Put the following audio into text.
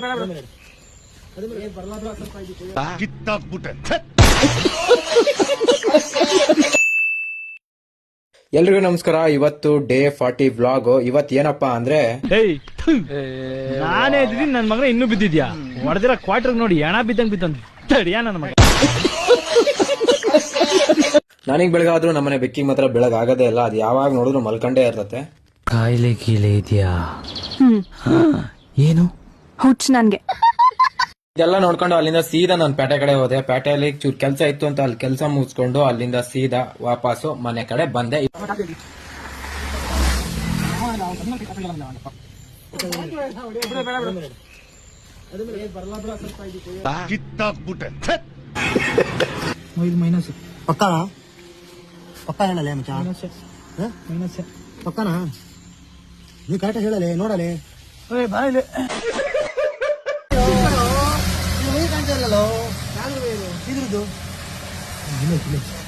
ಎಲ್ರಿಗೂ ನಮಸ್ಕಾರ. ಇವತ್ತು ಡೇ 40 ವ್ಲಾಗ್. ಇವತ್ತು ಏನಪ್ಪಾ ಅಂದ್ರೆ ನಾನೇ ಇದ್ದೀನಿ, ನನ್ ಮಗನ ಇನ್ನೂ ಬಿದ್ದಿದ್ಯಾ? ಹೊಡೆದಿರೋ ಕ್ವಾರ್ಟರ್ ನೋಡಿ ಎಣ ಬಿದ್ದಂಗ್ ತಡಿಯಾ ನನ್ನ ಮಗ. ನನಗ್ ಬೆಳಗಾದ್ರೂ ನಮ್ಮನೆ ಬೆಕ್ಕಿಗೆ ಮಾತ್ರ ಬೆಳಗ್ ಆಗದೇ ಇಲ್ಲ. ಅದು ಯಾವಾಗ ನೋಡಿದ್ರು ಮಲ್ಕೊಂಡೇ ಇರ್ತತೆ. ಕಾಯಿಲೆ ಗೀಲೆ ಇದೆಯಾ? ಏನು ಹುಚ್ಚ ನನ್ಗೆ. ಇದೆಲ್ಲ ನೋಡ್ಕೊಂಡು ಅಲ್ಲಿಂದ ಸೀದಾ ನಾನು ಪೇಟೆ ಕಡೆ ಹೋದೆ. ಪೇಟೆಯಲ್ಲಿ ಚೂರ್ ಕೆಲಸ ಇತ್ತು ಅಂತ ಅಲ್ಲಿ ಕೆಲಸ ಮುಗಿಸ್ಕೊಂಡು ಅಲ್ಲಿಂದ ಸೀದಾ ವಾಪಸ್ಸು ಮನೆ ಕಡೆ ಬಂದೆ. ಪಕ್ಕ ಹೇಳಲೆ ಮಚ್ಚ, ಪಕ್ಕನಾ? ನೀ ಕರೆಕ್ಟ್ ಹೇಳಲೆ, ನೋಡಲೆ ಬಾಯಿಲೆ ಕಾಣ್ತಾ ಇರಲ್ಲ ಇದ್ರದ್ದು.